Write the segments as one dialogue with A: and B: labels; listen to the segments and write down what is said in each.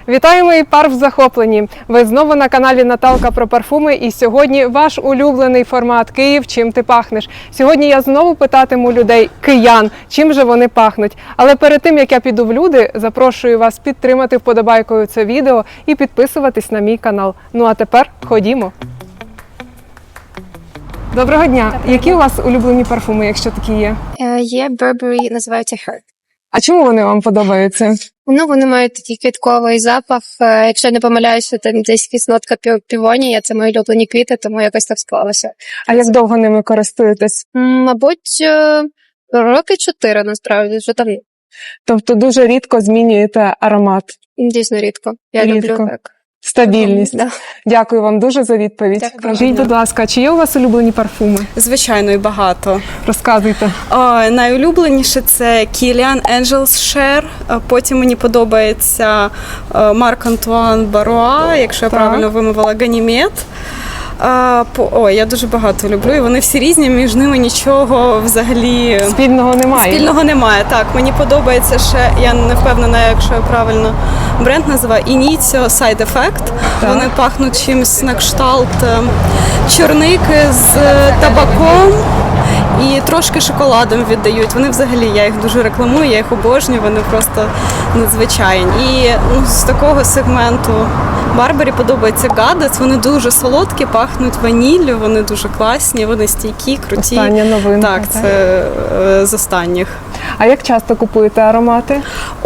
A: Вітаю, мої парф захоплені! Ви знову на каналі Наталка про парфуми, і сьогодні ваш улюблений формат «Київ. Чим ти пахнеш?». Сьогодні я знову питатиму людей, киян, чим же вони пахнуть. Але перед тим, як я піду в люди, запрошую вас підтримати вподобайкою це відео і підписуватись на мій канал. Ну а тепер ходімо! Доброго дня! Які у вас улюблені парфуми, якщо такі є?
B: Є Burberry, називаються Her.
A: А чому вони вам подобаються?
B: Ну, вони мають такий квітковий запах. Якщо я не помиляюся, там десь якась нотка півонія, це мої улюблені квіти, тому якось так склалося.
A: А як довго ними користуєтесь?
B: Мабуть, роки 4, насправді, вже давно.
A: Тобто дуже рідко змінюєте аромат?
B: Дійсно рідко. Я
A: Рідко.
B: люблю так.
A: Стабільність.
B: Да.
A: Дякую вам дуже за відповідь.
B: Дякую.
A: Скажіть, будь ласка, чи є у вас улюблені парфуми?
C: Звичайно, і багато.
A: Розказуйте.
C: Найулюбленіше це Kilian Angels Share. Потім мені подобається Марк Антуан Баруа, якщо я правильно вимовила, Ganymede. Я дуже багато люблю, і вони всі різні, між ними нічого взагалі
A: Спільного немає?
C: Спільного немає, так. Мені подобається ще, я не впевнена, якщо я правильно бренд називаю, Initio Side Effect.
A: Так.
C: Вони пахнуть чимось на кшталт чорники з табаком і трошки шоколадом віддають. Вони взагалі, я їх дуже рекламую, я їх обожнюю, вони просто надзвичайні. І з такого сегменту Барбарі подобається Goddess, вони дуже солодкі, пахнуть ваніллю, вони дуже класні, вони стійкі, круті.
A: Остання новинка.
C: Так, це з останніх.
A: А як часто купуєте аромати?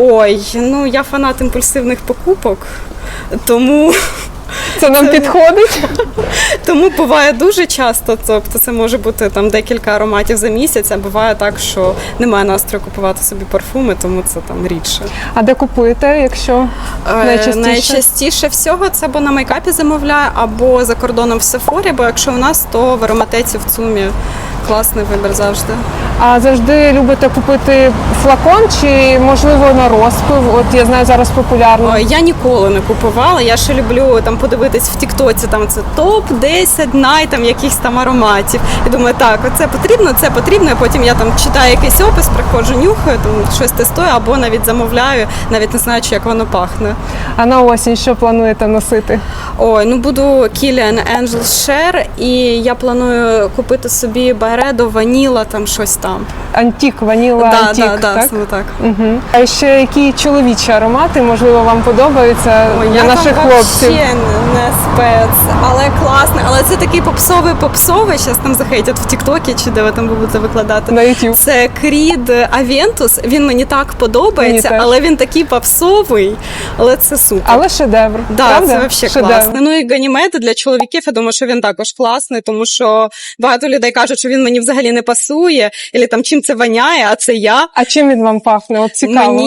C: Я фанат імпульсивних покупок, тому...
A: Це нам підходить?
C: Тому буває дуже часто, тобто це може бути там декілька ароматів за місяць, а буває так, що немає настрою купувати собі парфуми, тому це там рідше.
A: А де купуєте, якщо найчастіше?
C: Найчастіше всього це або на мейкапі замовляю, або за кордоном в Сефорі, бо якщо у нас, то в ароматеці в ЦУМі класний вибір завжди.
A: А завжди любите купити флакон чи, можливо, на розпив? От я знаю, зараз популярно.
C: Я ніколи не купувала, я ще люблю там подивитись в Тіктоці, там це топ-10 там якихось там ароматів. І думаю, так, це потрібно, а потім я там читаю якийсь опис, приходжу, нюхаю, там щось тестую, або навіть замовляю, навіть не знаючи, як воно пахне.
A: А на осінь що плануєте носити?
C: Буду Kilian Angels Share, і я планую купити собі Byredo, Vanilla, там щось там.
A: Антік, ваніла, антік, так?
C: Саме так.
A: Угу. А ще які чоловічі аромати, можливо, вам подобаються для наших хлопців?
C: Я не спец, але класний. Але це такий попсовий, зараз там захейтять в Тіктокі, чи де ви там будете викладати.
A: На YouTube.
C: Це Creed Aventus, він мені так подобається, але він такий попсовий, але це супер.
A: Але шедевр, правда?
C: Це взагалі класний. Ну і Ganymede для чоловіків, я думаю, що він також класний, тому що багато людей кажуть, що він мені взагалі не пасує, або там чим це воняє, а це я.
A: А чим він вам пахне? От цікаво.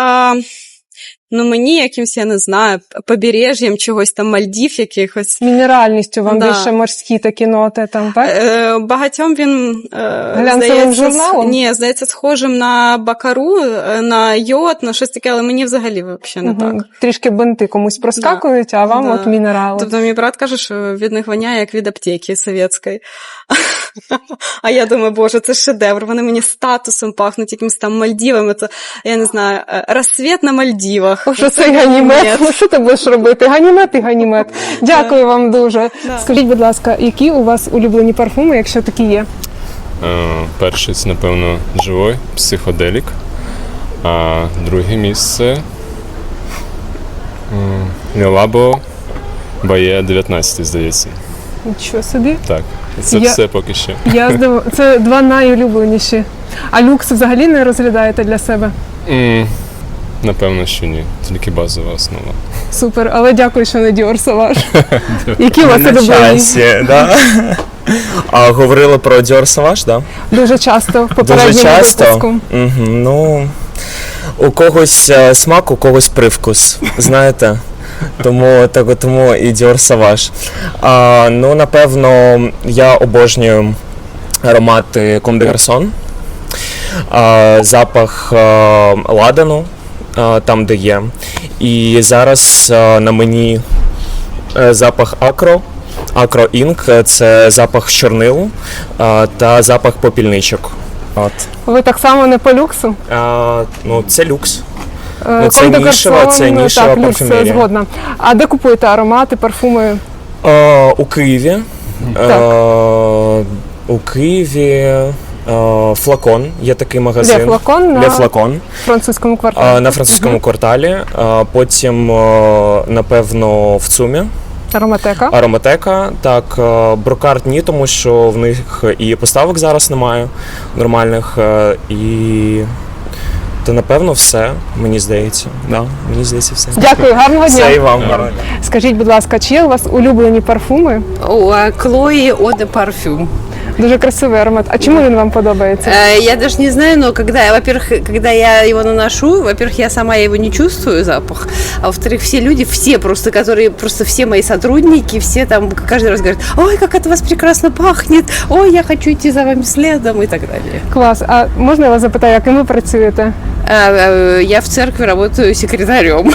C: Мені якимось, я не знаю, побережжям чогось там, Мальдів якихось.
A: Мінеральністю вам більше морські такі ноти там, так?
C: Багатьом він,
A: глянцевим журналом?
C: Ні, здається, схожим на Бакару, на йод, на щось таке, але мені взагалі не так.
A: Трішки бинти комусь проскакують, а вам от мінерали.
C: Тобто мій брат каже, що від них воняє, як від аптеки совєтської. А я думаю, боже, це шедевр, вони мені статусом пахнуть, якимось там Мальдівами, це, я не знаю, розсвіт на Мальдівах.
A: Що це Ганімед? Ну що ти будеш робити? Ганімед і Ганімед. Дякую вам дуже. Скажіть, будь ласка, які у вас улюблені парфуми, якщо такі є?
D: Перший, це, напевно, Живой, Психоделік. А друге місце Лілабо, Бає 19, здається.
A: Нічого собі.
D: Так, це все поки що.
A: Це два найулюбленіші. А люкс взагалі не розглядаєте для себе?
D: Напевно, що ні. Тільки базова основа.
A: Супер, але дякую, що не Dior Sauvage. Які у вас улюблені?
E: Говорили про Dior Sauvage, так?
A: Дуже часто, в попередньому випуску.
E: У когось смак, у когось привкус, знаєте? Тому і Dior Sauvage. Напевно, я обожнюю аромати Comme des Garçons, запах ладану, там, де є. І зараз на мені запах Acro Ink, це запах чорнилу та запах попільничок.
A: Ви так само не по люксу?
E: Це люкс. Ну, це
A: Comme des
E: нішева, це
A: Garçons,
E: нішева
A: так, люкс,
E: парфюмерія.
A: згодна. А де купуєте аромати, парфуми?
E: У Києві. У Києві Флакон, є такий магазин.
A: Де Флакон?
E: Ле Флакон.
A: Французькому кварталі.
E: На французькому кварталі. Потім, напевно, в ЦУМі.
A: Ароматека.
E: Ароматека. Так, Брокарт ні, тому що в них і поставок зараз немає нормальних. І то, напевно, все, мені здається. Да, мені здається, все.
A: Дякую, гарного дня.
E: Все і вам.
A: Скажіть, будь ласка, чи є у вас улюблені парфуми?
F: У Chloe Eau de Parfum.
A: Дуже красивий аромат. А чому він вам подобається?
F: Я даже не знаю, но когда я его наношу, во-первых, я сама его не чувствую запах, а во-вторых, все люди, все все мои сотрудники, все там каждый раз говорят: ой, как это у вас прекрасно пахнет, ой, я хочу идти за вами следом и так далее.
A: Клас. А можна я вас запитаю, яким ви працюєте?
F: Я в церкви работаю секретарем.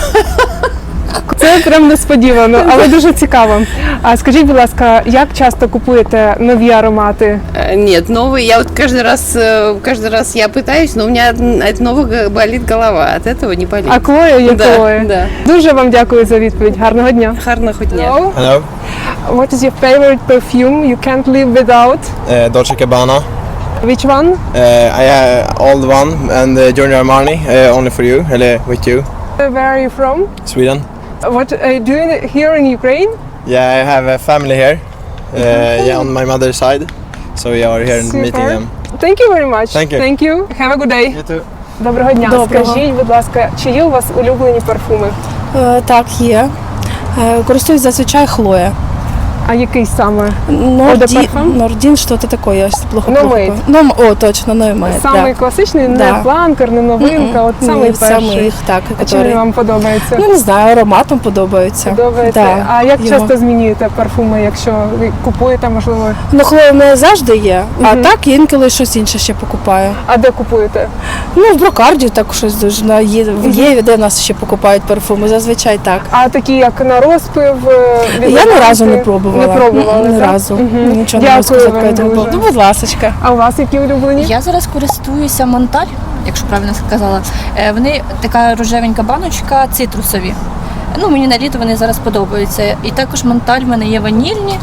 A: Це прям несподівано, але дуже цікаво. А скажіть, будь ласка, як часто купуєте нові аромати?
F: Нет, новый, я вот каждый раз я пытаюсь, но у меня от новых болит голова, от этого не болит.
A: А Клоя є
F: Да,
A: Клоя.
F: да.
A: Дуже вам дякую за відповідь. Гарного дня.
F: Гарного дня.
A: Hello.
G: Hello,
A: What is your favorite perfume you can't live without?
G: Dolce Gabbana.
A: Which one?
G: I old one and Giorgio Armani only for you, with you,
A: Where are you from?
G: Sweden.
A: What are you doing here in Ukraine?
G: Yeah, I have a family here. Yeah, on my mother's side, so we are here and meeting them.
A: Thank you very much.
G: Thank you.
A: Thank you. Have a good day.
G: You too.
A: Доброго дня.
H: Доброго.
A: Скажіть, будь ласка, чи є у вас улюблені парфуми?
H: Так, є. Користуюсь зазвичай Хлоя.
A: А який саме? Eau de Parfum?
H: Нордін, що-то таке, я плохо
A: Номейд.
H: О, точно, Номейд.
A: Самий класичний, не
H: Да.
A: фланкер, не новинка, от самий перший.
H: їх, так,
A: А чим він вам подобається?
H: Ну, не знаю, ароматом подобається.
A: Подобається.
H: Да,
A: А як
H: його.
A: часто змінюєте парфуми, якщо ви купуєте, можливо?
H: Ну, Хлоя в мене завжди є, а так інколи щось інше ще покупаю.
A: А де купуєте?
H: Ну, в Брокарді так щось дуже, в Єві, де в нас ще покупають парфуми, зазвичай так.
A: А такі, як на розпив?
H: Я ні разу не пробувала.
A: Не пробували,
H: Ні
A: так?
H: разу.
A: Мгм.
H: Нічого не
A: Дякую
H: можу сказати.
A: вам
H: по этому
A: дуже.
H: поводу. Ну, будь ласочка.
A: А у вас які улюблені?
I: Я зараз користуюся Монталь, якщо правильно сказала. Вони така рожевенька баночка, цитрусові. Ну, мені на літо вони зараз подобаються. І також Монталь в мене є ванільні.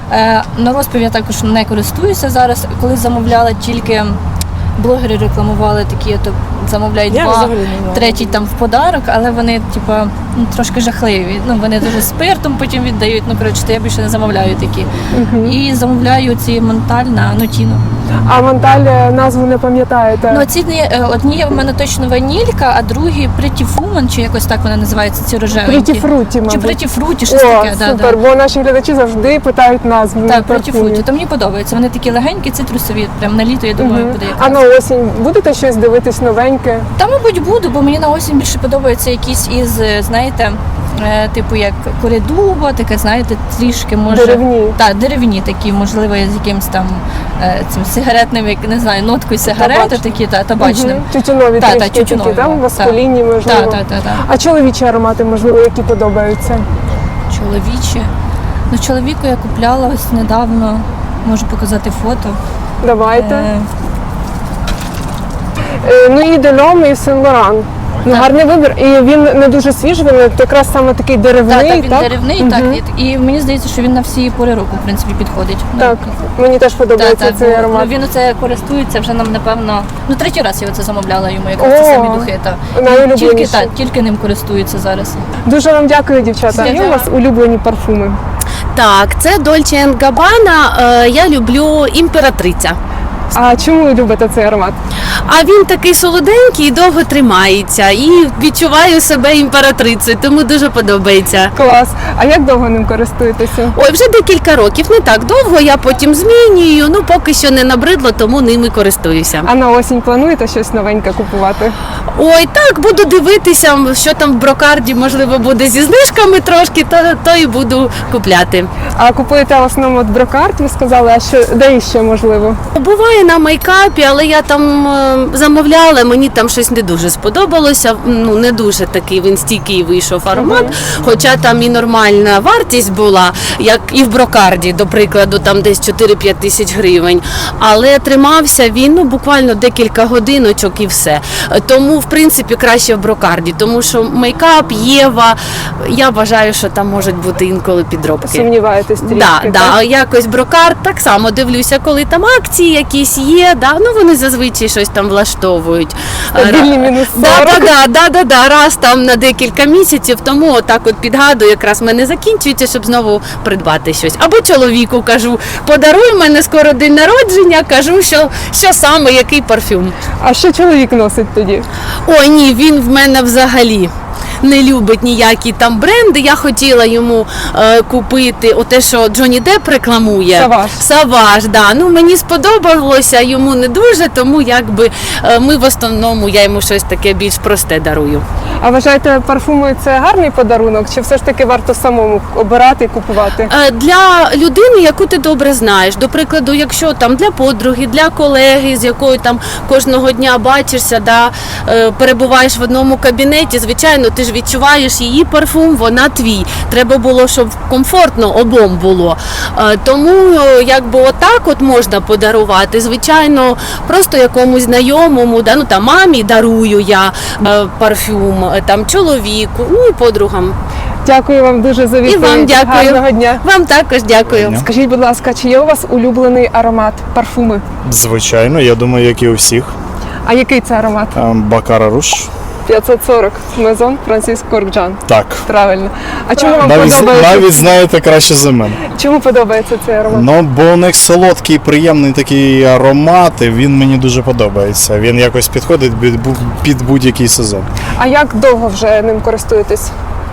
I: На розпив я також не користуюся зараз. Коли замовляла, тільки блогери рекламували такі, то замовляють
H: Я
I: два,
H: взагалі не знаю.
I: третій там в подарок, але вони, типа, трошки жахливі. Ну, вони дуже спиртом потім віддають. Ну, коротше, то я більше не замовляю такі. І замовляю ці Монталь на Нотіно.
A: А Монталь назву не пам'ятаєте?
I: Ну, ці одні в мене точно ванілька, а другі Pretty Woman, чи якось так вона називається, ці рожевенькі.
A: Pretty Fruity,
I: Чи
A: мабуть.
I: Pretty Fruity, щось
A: О,
I: таке,
A: супер, бо наші глядачі завжди питають назву
I: Так, Pretty
A: парфумів.
I: Fruity. То мені подобається. Вони такі легенькі, цитрусові, прям на літо, я думаю, буде
A: А
I: якраз.
A: на осінь будете щось дивитись новеньке?
I: Та, мабуть, буду, бо мені на осінь більше подобається якісь із, знаєте, типу як коридуба, таке, знаєте, трішки може.
A: Деревні.
I: Так, деревні такі, можливо, з якимось там цим сигаретним, як не знаю, ноткою сигарети,
A: Табачним.
I: такі, табачним.
A: Мгм. Тютюнові
I: Та,
A: трішки
I: тютюнові,
A: такі, там
I: так.
A: маскулінні, можливо.
I: Так.
A: А чоловічі аромати, можливо, які подобаються?
I: Чоловічі. Ну, чоловіку я купляла ось недавно, можу показати фото.
A: Давайте.
I: Е,
A: Ну і Делом, і Сен Лоран. Ну, гарний вибір. І він не дуже свіжий, він якраз саме такий деревний,
I: Так, він
A: так?
I: деревний,
A: Мгм.
I: так. І мені здається, що він на всі пори року, в принципі, підходить.
A: Так, мені теж подобається цей
I: бо
A: аромат.
I: він оце користується вже нам, напевно, ну третій раз я оце замовляла йому, якраз
A: О,
I: ці самі духи.
A: найулюбленіші.
I: Тільки ним користуються зараз.
A: Дуже вам дякую, дівчата. Є у вас улюблені парфуми?
J: Так, це Dolce Gabbana. Я люблю імператриця.
A: А чому ви любите цей аромат?
J: А він такий солоденький і довго тримається. І відчуваю себе імператрицею, тому дуже подобається.
A: Клас. А як довго ним користуєтеся?
J: Ой, вже декілька років, не так довго, я потім змінюю, ну поки що не набридло, тому ними користуюся.
A: А на осінь плануєте щось новеньке купувати?
J: Ой, так, буду дивитися, що там в Брокарді, можливо, буде зі знижками трошки, то і буду купляти.
A: А купуєте в основному от Брокарт, ви сказали, а що де іще можливо?
J: Буває були на мейкапі, але я там замовляла, мені там щось не дуже сподобалося. Ну, не дуже такий він стійкий вийшов аромат, хоча там і нормальна вартість була, як і в Брокарді, до прикладу, там десь 4-5 тисяч гривень. Але тримався він, ну, буквально декілька годиночок і все. Тому, в принципі, краще в Брокарді, тому що мейкап, Єва, я вважаю, що там можуть бути інколи підробки.
A: Сумніваєтесь трішки,
J: Да,
A: так?
J: а якось Брокард так само дивлюся, коли там акції якісь є, да, ну вони зазвичай щось там влаштовують.
A: Стабільні мінус 40.
J: Да, раз там на декілька місяців, тому отак от підгадую, якраз в мене закінчується, щоб знову придбати щось. Або чоловіку кажу, подаруй, в мене скоро день народження, кажу, що саме, який парфюм.
A: А що чоловік носить тоді?
J: Ой, ні, він в мене взагалі не любить ніякі там бренди. Я хотіла йому купити оте, що Джонні Депп рекламує. Саваж, да. Ну, мені сподобалося, йому не дуже, тому якби ми в основному, я йому щось таке більш просте дарую.
A: А вважаєте, парфуми це гарний подарунок, чи все ж таки варто самому обирати і купувати?
J: Для людини, яку ти добре знаєш, до прикладу, якщо там для подруги, для колеги, з якою там кожного дня бачишся, да, перебуваєш в одному кабінеті, звичайно, ти ж відчуваєш її парфум, вона твій. Треба було, щоб комфортно обом було. Тому якби отак от можна подарувати. Звичайно, просто якомусь знайомому, да, ну там мамі дарую я парфюм, там чоловіку, ну і подругам.
A: Дякую вам дуже за відповідь.
J: І вам дякую.
A: Гарного дня.
J: Вам також дякую.
A: Скажіть, будь ласка, чи є у вас улюблений аромат, парфуми?
K: Звичайно, я думаю, як і у всіх.
A: А який це аромат?
K: Бакара Руш.
A: 540 Мезон Франсис Коркджан.
K: Так.
A: Правильно. А чому вам
K: Навіть
A: подобається?
K: знаєте краще за мене.
A: Чому подобається цей аромат?
K: Ну, бо у них солодкий, приємний такий аромат, і він мені дуже подобається. Він якось підходить під будь-який сезон.
A: А як довго вже ним користуєтесь?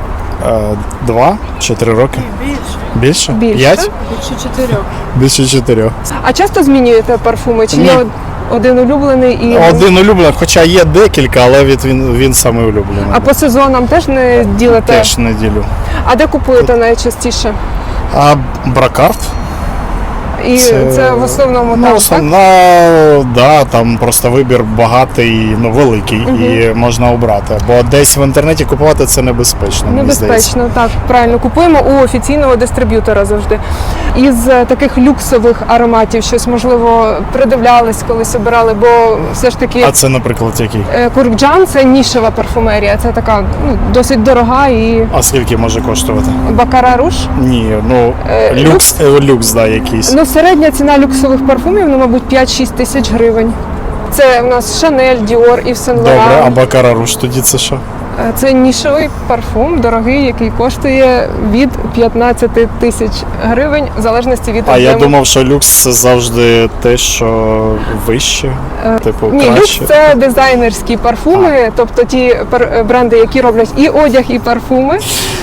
K: 2 чи 3 роки? Більше. Більше? 5? Більше 4.
A: А часто змінюєте парфуми? Чи
K: Ні.
A: є один улюблений і
K: Один улюблений, хоча є декілька, але він саме улюблений.
A: а по сезонам теж не ділите?
K: Теж не ділю.
A: А де купуєте найчастіше?
K: А Брокард?
A: І це в основному
K: Ну,
A: там,
K: основна, да, там просто вибір багатий, ну великий, і можна обрати. Бо десь в інтернеті купувати це небезпечно. Мені здається.
A: Небезпечно, так, правильно. Купуємо у офіційного дистриб'ютора завжди. Із таких люксових ароматів щось, можливо, придивлялись, колись обирали, бо все ж таки
K: А це, наприклад, який?
A: Коркджан – це нішева парфумерія, це така досить дорога і
K: А скільки може коштувати?
A: Бакара Руш.
K: Ні, ну люкс, да, якийсь.
A: Ну, середня ціна люксових парфумів, ну, мабуть, 5-6 тисяч гривень. Це у нас Шанель, Діор, Ів Сен
K: Добре, а
A: Лоран.
K: Бакара Руш тоді це що?
A: Це нішевий парфум, дорогий, який коштує від 15 тисяч гривень, в залежності від
K: А я
A: об'єму.
K: думав, що люкс це завжди те, що вище, типу
A: Ні, люкс
K: краще.
A: це дизайнерські парфуми, тобто ті бренди, які роблять і одяг, і парфуми.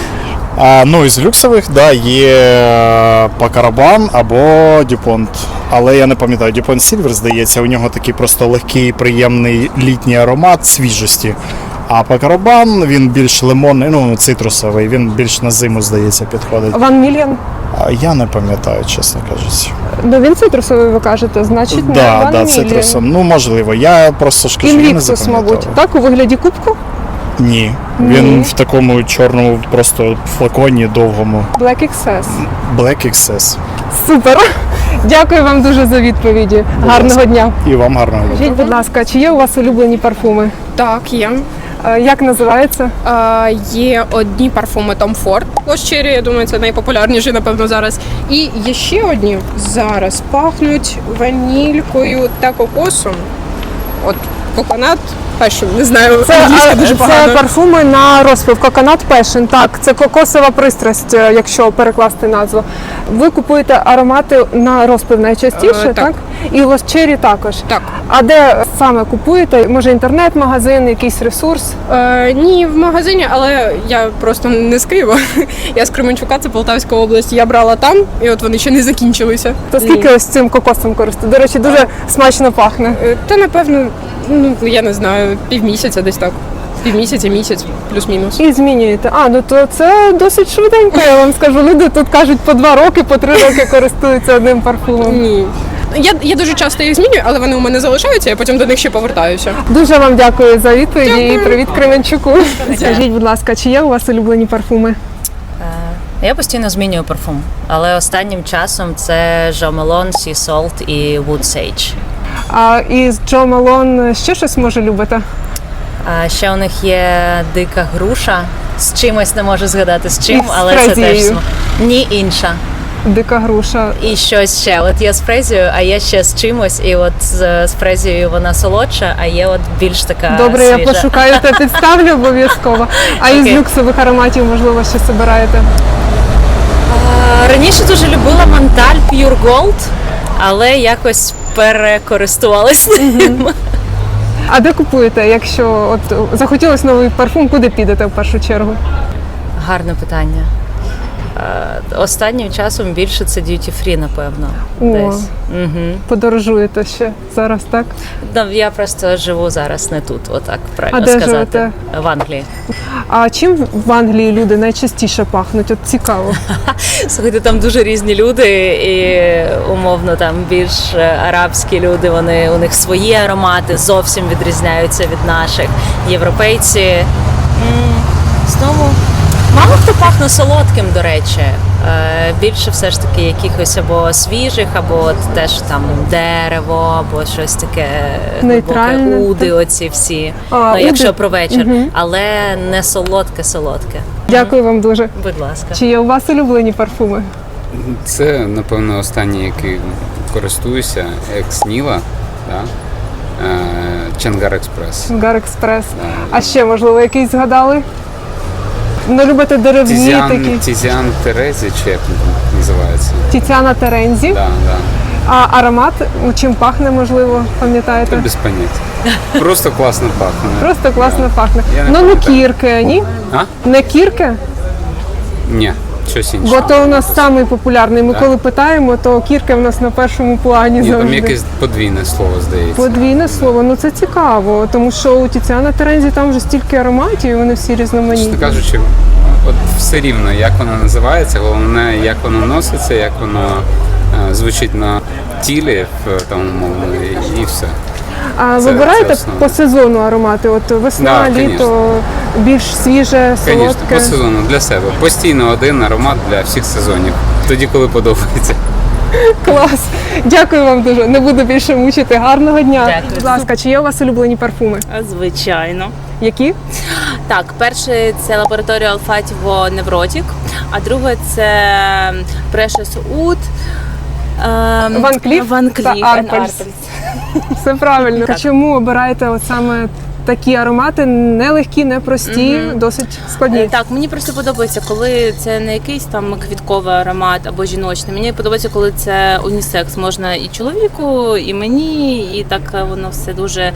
K: Ну, із люксових, да, є Пакарабан або Дюпонт. Але я не пам'ятаю, Дюпонт Сільвер, здається, у нього такий просто легкий, приємний літній аромат свіжості. А Пакарабан, він більш лимонний, ну, цитрусовий, він більш на зиму, здається, підходить.
A: Ван Мільян.
K: Я не пам'ятаю, чесно кажучи.
A: Ну, він цитрусовий, ви кажете, значить, не Ван
K: Да,
A: Мільян.
K: цитрусом. Ну, можливо. Я просто ж кажу, я не
A: Інвіктус,
K: запам'ятав.
A: мабуть. Так, у вигляді кубку?
K: Ні. Він в такому чорному просто флаконі довгому.
A: Black XS.
K: Black XS.
A: Супер. Дякую вам дуже за відповіді. Гарного дня.
K: І вам гарного дня.
A: Скажіть, будь ласка, чи є у вас улюблені парфуми?
L: Так, є.
A: Як називається?
L: Є одні парфуми Tom Ford. Lost Cherry, я думаю, це найпопулярніші, напевно, зараз. І є ще одні зараз пахнуть ванількою та кокосом. От Coconut Passion, не знаю, англійська дуже погано.
A: Це парфуми на розпив. Coconut Passion, так, це кокосова пристрасть, якщо перекласти назву. Ви купуєте аромати на розпив найчастіше, так? І Lost Cherry також?
L: Так.
A: А де саме купуєте? Може інтернет-магазин, якийсь ресурс?
L: Ні, в магазині, але я просто не з Києва. Я з Кременчука, це Полтавська область. Я брала там, і от вони ще не закінчилися.
A: То скільки ось цим кокосом користуєте? До речі, дуже смачно пахне.
L: Та, напевно, ну, я не знаю, півмісяця десь так. Півмісяця, місяць, плюс-мінус.
A: І змінюєте. Ну то це досить швиденько, я вам скажу. Люди тут кажуть по 2 роки, по 3 роки користуються одним парфумом.
L: Ні. Я дуже часто їх змінюю, але вони у мене залишаються, я потім до них ще повертаюся.
A: Дуже вам дякую за відповіді і привіт Кременчуку. Скажіть, будь ласка, чи є у вас улюблені парфуми?
M: Я постійно змінюю парфум, але останнім часом це Jo Malone, Sea Salt і Wood Sage.
A: А із Jo Malone ще щось може любите?
M: А ще у них є дика груша, з чимось не можу згадати з чим,
A: І з
M: але це теж
A: фрезією.
M: ні, інша.
A: Дика груша.
M: І щось ще. От є з фрезією, а є ще з чимось, і от з фрезією вона солодша, а є от більш така
A: Добре,
M: свіжа.
A: я пошукаю та підставлю обов'язково. А із
M: Окей.
A: люксових ароматів, можливо, що збираєте?
M: Раніше дуже любила Монталь Pure Gold, але якось перекористувалась ним.
A: А де купуєте? Якщо от захотілось новий парфум, куди підете в першу чергу?
M: Гарне питання. Останнім часом більше це duty free, напевно.
A: О.
M: Десь. Угу.
A: Подорожуєте ще зараз, так?
M: Я просто живу зараз не тут, отак правильно
A: А де
M: сказати.
A: живете?
M: В Англії.
A: А чим в Англії люди найчастіше пахнуть? От цікаво.
M: Слухайте, там дуже різні люди, і умовно там більш арабські люди, у них свої аромати зовсім відрізняються від наших. Європейці знову мало хто пахне солодким, до речі. Більше все ж таки якихось або свіжих, або от теж там дерево, або щось таке
A: Нейтральне,
M: глибоке, уди,
A: так.
M: оці всі.
A: Уди.
M: Якщо про вечір,
A: Мгм.
M: але не солодке.
A: Дякую вам дуже.
M: Будь ласка.
A: Чи є у вас улюблені парфуми?
N: Це, напевно, останній, який користуюся, екс-Ніла, да? Чангар Експрес.
A: Гар Експрес. А ще, можливо, якийсь згадали? Ну, любите деревні такі.
N: Тізіан Терезі, чи як він там називається.
A: Тіціана Терензі.
N: Да.
A: А аромат чим пахне, можливо, пам'ятаєте?
N: Без поняття. Просто класно пахне.
A: Просто класно пахне.
N: Я не
A: Ну, не
N: пам'ятаю.
A: кірки, ні?
N: А?
A: Не кірки?
N: Ні, щось інше.
A: Бо то у нас самий популярний. Ми
N: Так.
A: коли питаємо, то кірки в нас на першому плані
N: Ні, там
A: завжди.
N: якесь подвійне слово, здається.
A: Подвійне слово, ну це цікаво, тому що у Тіціана Терензі там вже стільки ароматів, і вони всі різноманітні.
N: Чесно кажучи, от все рівно, як воно називається, головне, як воно носиться, як воно звучить на тілі, там, умовно, і все.
A: А
N: Це
A: вибираєте
N: основне.
A: по сезону аромати? От весна,
N: Да,
A: літо, більш свіже,
N: Звісно,
A: солодке.
N: по сезону для себе. Постійно один аромат для всіх сезонів. Тоді, коли подобається.
A: Клас. Дякую вам дуже. Не буду більше мучити. Гарного дня.
J: Дякую.
A: Будь ласка, чи є у вас улюблені парфуми?
J: Звичайно.
A: Які?
J: Так, перший це лабораторія Olfativo Neurotic, а друге це Precious Oud.
A: Ван Кліф та Арпельс. Все правильно.
J: Так.
A: Чому обираєте от саме такі аромати? Нелегкі, непрості, досить складні.
J: Так, мені просто подобається, коли це не якийсь там квітковий аромат або жіночний. Мені подобається, коли це унісекс. Можна і чоловіку, і мені, і так воно все дуже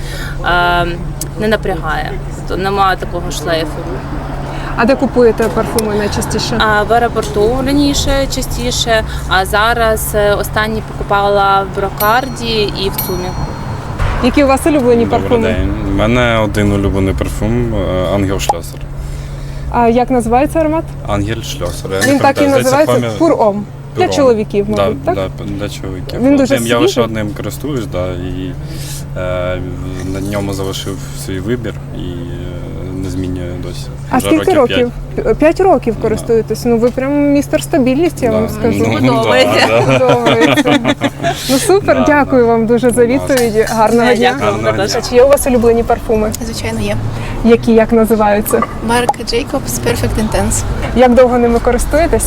J: не напрягає. Тобто немає такого шлейфу.
A: А де купуєте парфуми найчастіше?
J: В аеропорту раніше частіше, а зараз останні покупала в Брокарді і в ЦУМі.
A: Які у вас улюблені
D: Добрий
A: парфуми?
D: день. У мене один улюблений парфум Ангел Шльосер.
A: А як називається аромат?
D: Ангель Шльосер.
A: Він так і називається Пур-Ом. Для чоловіків, мабуть,
D: да,
A: так?
D: Да, для чоловіків.
A: Він дуже
D: Я лише
A: свіжий.
D: одним користуюсь, да, і на ньому залишив свій вибір і не змінюю досі.
A: А
D: Вже
A: скільки років?
D: 5.
A: 5 років користуєтесь. Ну ви прям містер стабільність, я вам скажу.
D: Ну,
J: Подобається.
D: да.
A: Подобається. Ну супер, дякую вам дуже за відповіді. Гарного дня.
J: Дякую.
A: А чи є у вас улюблені парфуми?
H: Звичайно, є.
A: Які, як називаються?
H: Марк Jacobs Perfect Intense.
A: Як довго ними користуєтесь?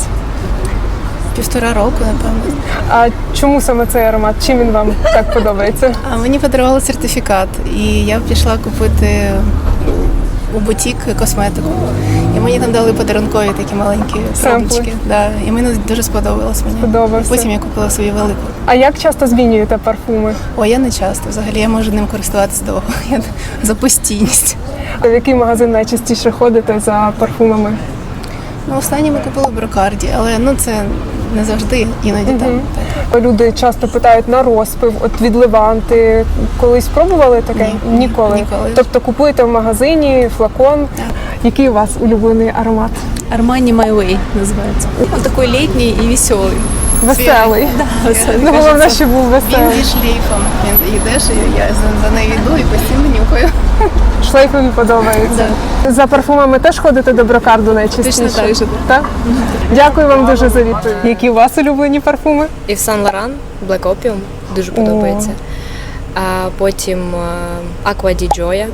H: 1,5 року, напевно.
A: А чому саме цей аромат? Чим він вам так подобається?
H: А мені подарували сертифікат, і я пішла купити у бутік косметику. І мені там дали подарункові такі маленькі самплички. Да. І мені дуже сподобалось мені.
A: Сподобався.
H: Потім я купила свою велику.
A: А як часто змінюєте парфуми?
H: О, я не часто. Взагалі я можу ним користуватися довго. Я за постійність.
A: В який магазин найчастіше ходите за парфумами?
H: Ну, останнє ми купили в Брокарді, але це не завжди, іноді там.
A: Люди часто питають на розпив, от від Леванти. Колись пробували таке?
H: Ні,
A: Ніколи.
H: ніколи.
A: Тобто купуєте в магазині флакон. Який у вас улюблений аромат?
O: Armani My Way называется. Он такой летний и веселый.
A: Веселий.
H: Веселий.
A: Ну, головне, щоб був
H: Він
A: веселий.
H: зі шлейфом. Він йдеш, і я за нею йду і постійно нюхаю.
A: Шлейфові подобається. За парфумами теж ходите до брокарду найчастіше?
H: Точно так же.
A: Так? Дякую вам дуже за відповідь. Які у вас улюблені парфуми?
O: І в Сан Лоран Black Opium дуже подобається. А потім Aqua di Gioia.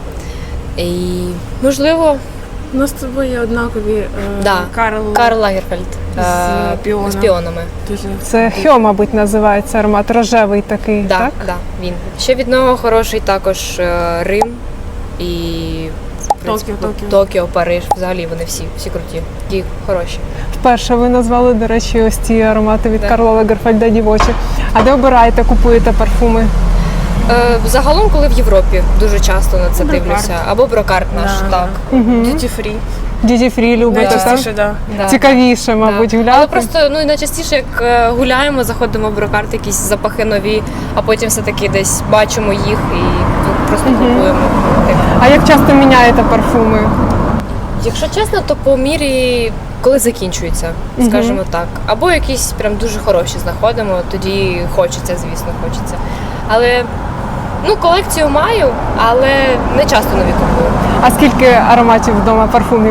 O: І, можливо,
L: У нас з тобою є однакові
O: Карл Лагерфельд з піонами.
A: Це Хьо, мабуть, називається аромат. Рожевий такий, так?
O: Да, він. Ще від нього хороший також Рим і в принципі, Токіо, Париж. Взагалі вони всі круті. Ті хороші.
A: Вперше ви назвали, до речі, ось ці аромати від Карла Лагерфельда дівочі. А де обираєте, купуєте парфуми?
O: Загалом, коли в Європі, дуже часто на це дивлюся. Або брокарт наш, так.
L: Duty free.
A: Duty free любите, так?
L: Найчастіше, так.
A: Цікавіше, мабуть, гуляти.
O: Але просто найчастіше, як гуляємо, заходимо в брокарт, якісь запахи нові, а потім все-таки десь бачимо їх і просто купуємо.
A: А як часто міняєте парфуми?
O: Якщо чесно, то по мірі, коли закінчується, скажімо так. Або якісь прям дуже хороші знаходимо, тоді хочеться, звісно, хочеться. Але колекцію маю, але не часто нові купую.
A: А скільки ароматів вдома, парфумів?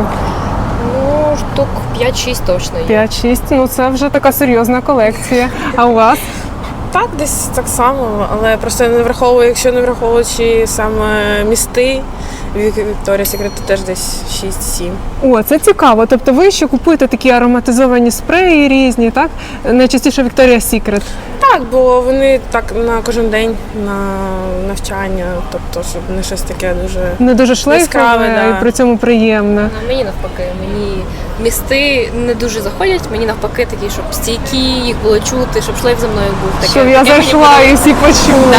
O: Штук 5-6 точно є.
A: 5-6, це вже така серйозна колекція. А у вас?
L: Так, десь так само, але просто не враховую, якщо не враховуючи саме місти, Victoria's Secret, то теж десь 6-7.
A: О, це цікаво. Тобто ви ще купуєте такі ароматизовані спреї різні, так? Найчастіше Victoria's Secret.
L: Так, бо вони так на кожен день, на навчання, тобто, щоб не щось таке дуже
A: Не дуже шлейфове,
L: яскраве,
A: і при цьому приємне.
O: Мені навпаки, мені місти не дуже заходять, мені навпаки такі, щоб стійкі, їх було чути, щоб шлейф за мною був. Таке,
A: Щоб я зайшла і всі почули.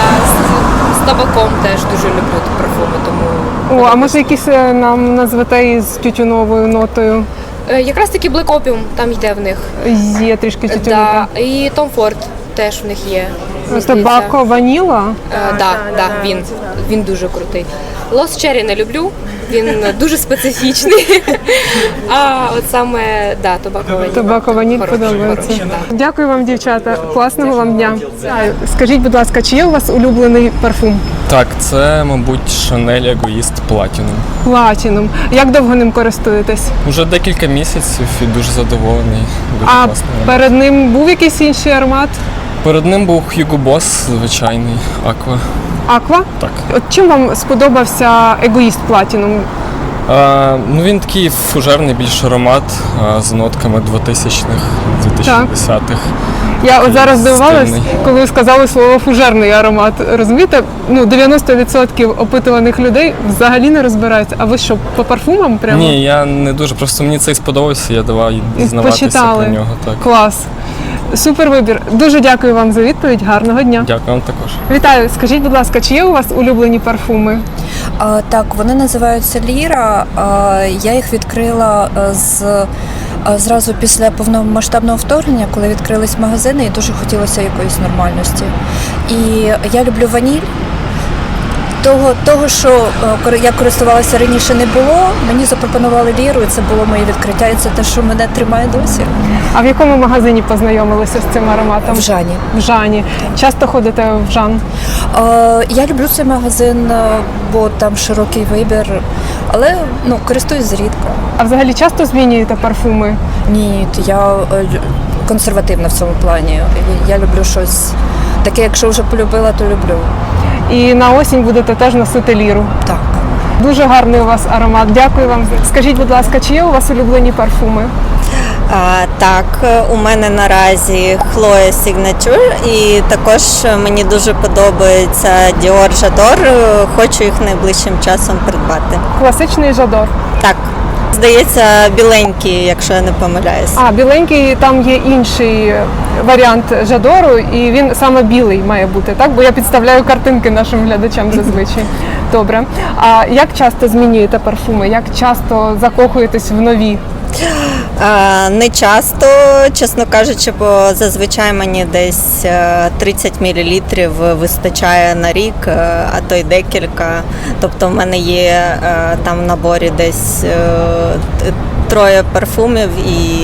O: З табаком теж дуже люблю парфуми, тому...
A: О, а може якісь нам назвете із тютюновою нотою?
O: Якраз таки Black Opium там йде в них.
A: Є трішки тютюнової.
O: І Tom Ford теж в них є.
A: Табако ваніла?
O: Так, він дуже крутий. Lost Cherry не люблю, він дуже специфічний. А от саме, Tobacco Vanille.
A: Tobacco Vanille подобається. Дякую вам, дівчата. Класного вам дня. Скажіть, будь ласка, чи є у вас улюблений парфум?
P: Так, це, мабуть, Chanel Egoist Platinum.
A: Platinum. Як довго ним користуєтесь?
P: Уже декілька місяців і дуже задоволений. Дуже
A: А
P: класний.
A: перед ним був якийсь інший аромат?
P: Перед ним був Hugo Boss, звичайний, Aqua.
A: Aqua?
P: Так.
A: От чим вам сподобався Egoist Platinum?
P: Він такий фужерний більш аромат з нотками 2000-х, 2010-х.
A: Я от зараз здивувалась,
P: стильний.
A: коли ви сказали слово фужерний аромат. Розумієте, 90% опитуваних людей взагалі не розбираються. А ви що, по парфумам прямо?
P: Ні, я не дуже, просто мені цей сподобався, я давав дізнаватися
A: Почитали.
P: про нього. Так.
A: Клас. Супер вибір. Дуже дякую вам за відповідь. Гарного дня.
P: Дякую вам також.
A: Вітаю. Скажіть, будь ласка, чи є у вас улюблені парфуми?
Q: Так, вони називаються Ліра. Я їх відкрила зразу після повномасштабного вторгнення, коли відкрились магазини, і дуже хотілося якоїсь нормальності. І я люблю ваніль. Того, що я користувалася раніше, не було. Мені запропонували Ліру, і це було моє відкриття, і це те, що мене тримає досі.
A: А в якому магазині познайомилися з цим ароматом?
Q: В Жані.
A: В Жані. Часто ходите в Жан?
Q: Я люблю цей магазин, бо там широкий вибір, але користуюсь зрідка.
A: А взагалі часто змінюєте парфуми?
Q: Ні, я консервативна в цьому плані. Я люблю щось таке, якщо вже полюбила, то люблю.
A: І на осінь будете теж носити Ліру?
Q: Так.
A: Дуже гарний у вас аромат. Дякую вам. Скажіть, будь ласка, чи є у вас улюблені парфуми?
R: Так, у мене наразі Chloe Signature, і також мені дуже подобається Dior J'adore. Хочу їх найближчим часом придбати.
A: Класичний J'adore?
R: Так. Здається, біленький, якщо я не помиляюсь.
A: А, біленький, там є інший варіант Жадору, і він саме білий має бути, так? Бо я підставляю картинки нашим глядачам зазвичай. Добре. А як часто змінюєте парфуми? Як часто закохуєтесь в нові?
R: Не часто, чесно кажучи, бо зазвичай мені десь 30 мл вистачає на рік, а то й декілька. Тобто в мене є там в наборі десь 3 парфумів, і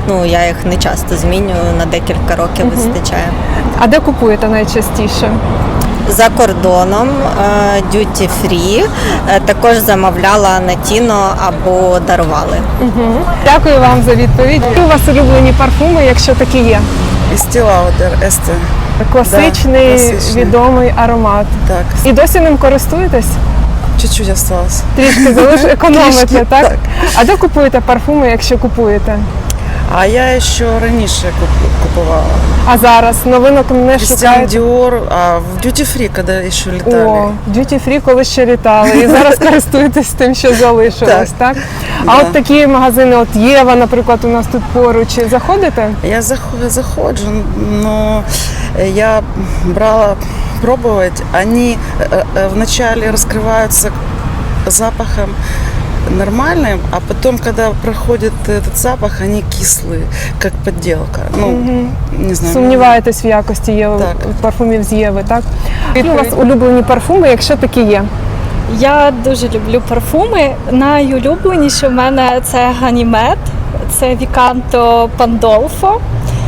R: Ну, я їх не часто змінюю, на декілька років вистачає.
A: А де купуєте найчастіше?
R: За кордоном, duty free, також замовляла на Тіно або дарували.
A: Дякую вам за відповідь. Які у вас улюблені парфуми, якщо такі є?
S: Estee Lauder, Este.
A: Класичний,
S: Да, класичний.
A: відомий аромат.
S: Так.
A: І досі ним користуєтесь?
S: Чуть-чуть осталось.
A: Трішки економите,
S: Трішки,
A: так?
S: так.
A: А де купуєте парфуми, якщо купуєте?
S: А я ще раніше купувала.
A: А зараз новинок не
S: Christian
A: шукаєте?
S: Dior, а в Duty Free, коли ще літали.
A: О, Duty Free, коли ще літали. І зараз користуєтесь тим, що залишилось, так? А от такі магазини, от Єва, наприклад, у нас тут поруч. Заходите?
S: Я заходжу, но я брала пробовать. Они вначале раскрываются запахом нормальным, а потом, когда проходит этот запах, они кислые, как подделка. Ну, не знаю.
A: Сумніваєтесь в якості Єви, парфумів з Єви, так? Які у вас улюблені парфуми, якщо такі є?
T: Я дуже люблю парфуми. Найулюбленіше в мене це Ганімед, це Віканто Пандолфо,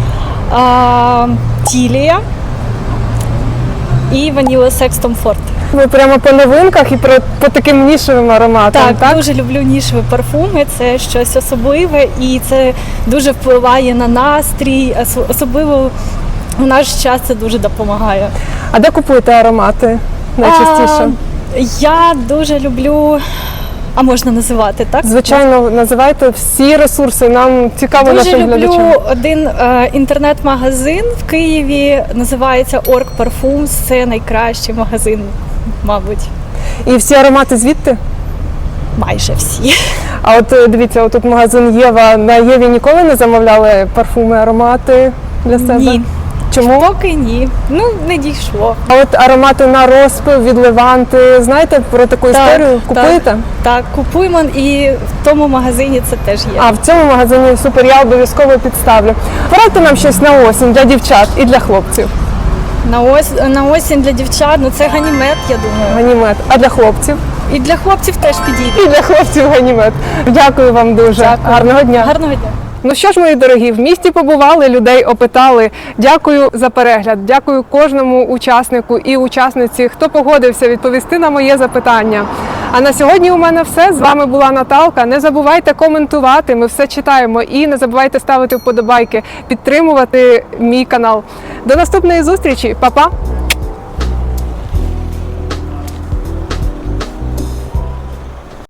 T: Тілія і Ваніла Секс Том Форд.
A: Ви прямо по новинках і по таким нішевим ароматам, так?
T: Так, дуже люблю нішеві парфуми, це щось особливе і це дуже впливає на настрій, особливо в наш час це дуже допомагає.
A: А де купуєте аромати найчастіше?
T: Я дуже люблю, а можна називати, так?
A: Звичайно, називайте всі ресурси, нам цікаво
T: Дуже
A: нашим глядачам.
T: люблю один інтернет-магазин в Києві, називається Org Parfums, це найкращий магазин, мабуть.
A: І всі аромати звідти?
T: Майже всі.
A: А от дивіться, тут магазин Єва. На Єві ніколи не замовляли парфуми, аромати для себе?
T: Ні.
A: Чому?
T: Поки ні. Ну, не дійшло.
A: А от аромати на розпив від Леванти, знаєте про таку історію? Купуєте?
T: Так, купуємо і в тому магазині це теж є.
A: А в цьому магазині супер, я обов'язково підставлю. Порадьте нам щось на осінь для дівчат і для хлопців.
T: На осінь для дівчат, ну це ганімед, я думаю.
A: Ганімед. А для хлопців?
T: І для хлопців теж підійде.
A: І для хлопців ганімед. Дякую вам дуже.
T: Дякую.
A: Гарного дня.
T: Гарного дня.
A: Ну що ж, мої дорогі, в місті побували, людей опитали. Дякую за перегляд, дякую кожному учаснику і учасниці, хто погодився відповісти на моє запитання. А на сьогодні у мене все. З вами була Наталка. Не забувайте коментувати, ми все читаємо. І не забувайте ставити вподобайки, підтримувати мій канал. До наступної зустрічі, па-па!